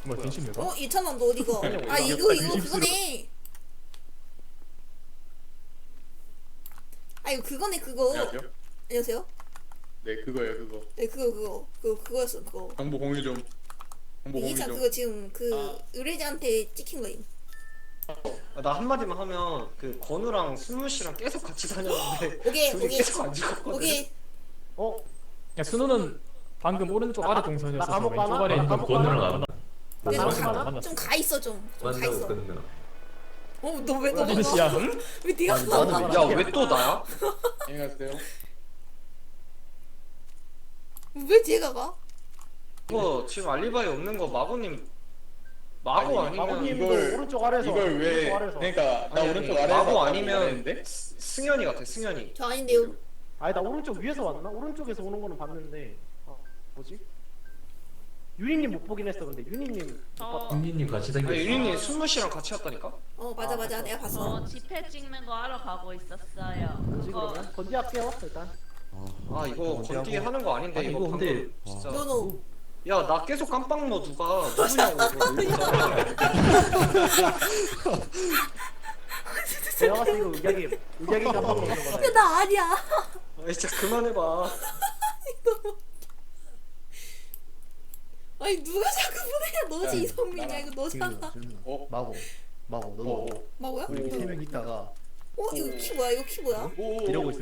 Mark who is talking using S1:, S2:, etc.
S1: 뭐 갱신인가?
S2: 2,000원 너 어디가? 아 이거 그거네. 아 이거 그거네 그거.
S3: 안녕하세요.
S2: 안녕하세요.
S3: 네 그거예요 그거.
S2: 네 그거였어 그거.
S3: 정보 공유 좀. 정보 공유
S2: 이기찬
S3: 좀.
S2: 그거 지금 그 의뢰자한테 찍힌 거임.
S4: 나 한마디만 하면 그 건우랑 승우 씨랑 계속 같이 다녔는데
S2: 오케이
S4: 둘이
S2: 오케이
S4: 계속 안 죽었거든.
S2: 오케이.
S1: 야 순우는 방금 오른쪽 아래 동선이었어서
S5: 감옥
S1: 왼쪽
S5: 가나?
S1: 아래 있는
S5: 감옥
S1: 건우랑
S5: 가나?
S1: 안
S2: 근데
S1: 방금
S5: 가나?
S1: 만났어.
S2: 좀 가 있어 좀 가
S6: 만나고
S2: 있어.
S6: 끝나.
S2: 너왜 너?
S1: 어디 씨야?
S2: 왜 네가 가?
S4: 야 왜 또 나야?
S3: 안녕하세요.
S2: 왜 제가 가?
S4: 이거 지금 알리바이 없는 거 마고
S3: 아니,
S4: 아니면
S5: 마고님도
S3: 이걸-
S5: 오른쪽 아래에서
S3: 이걸 왜?
S5: 오른쪽 아래에서.
S3: 그러니까 나
S4: 아니,
S3: 오른쪽
S4: 아니,
S3: 아래에서
S4: 마고
S3: 왔다고
S4: 아니면
S3: 말했는데?
S4: 승현이 같아 승현이.
S2: 저 아닌데요.
S5: 아니 나 오른쪽 위에서 왔나? 오른쪽에서 오는 거는 봤는데 뭐지? 유리님 못 보긴 했어. 근데 유리님 못 봤다.
S6: 국민님 같이 다니고
S4: 아니
S6: 있어.
S4: 유린이 승우 씨랑 같이 왔다니까?
S2: 맞아 내가 봤어.
S7: 집회 찍는 거 하러 가고 있었어요.
S5: 그지 그러면 건지할게요 일단.
S4: 아 이거 건디 하는 거 아닌데
S6: 아니,
S4: 이거
S6: 이거 근데-
S4: 방금 진짜.
S2: 너너
S4: 야 나 계속 깜빡 넣어 누가 누구냐고 이거 진짜.
S5: 내가 봤을 때 이거 의학이 감독 먹는 거다.
S2: 나 아니야.
S4: 아 진짜 그만해봐.
S2: 아니 누가 자꾸 보내냐? 너지
S3: 야,
S2: 이성민이야
S3: 나랑
S2: 이거 너잖아.
S3: 어?
S8: 마고 너도
S3: 오.
S2: 뭐야?
S8: 우리 3명 있다가
S2: 이거 키 뭐야? 이거 키 뭐야?
S3: 오.
S8: 이러고 있어.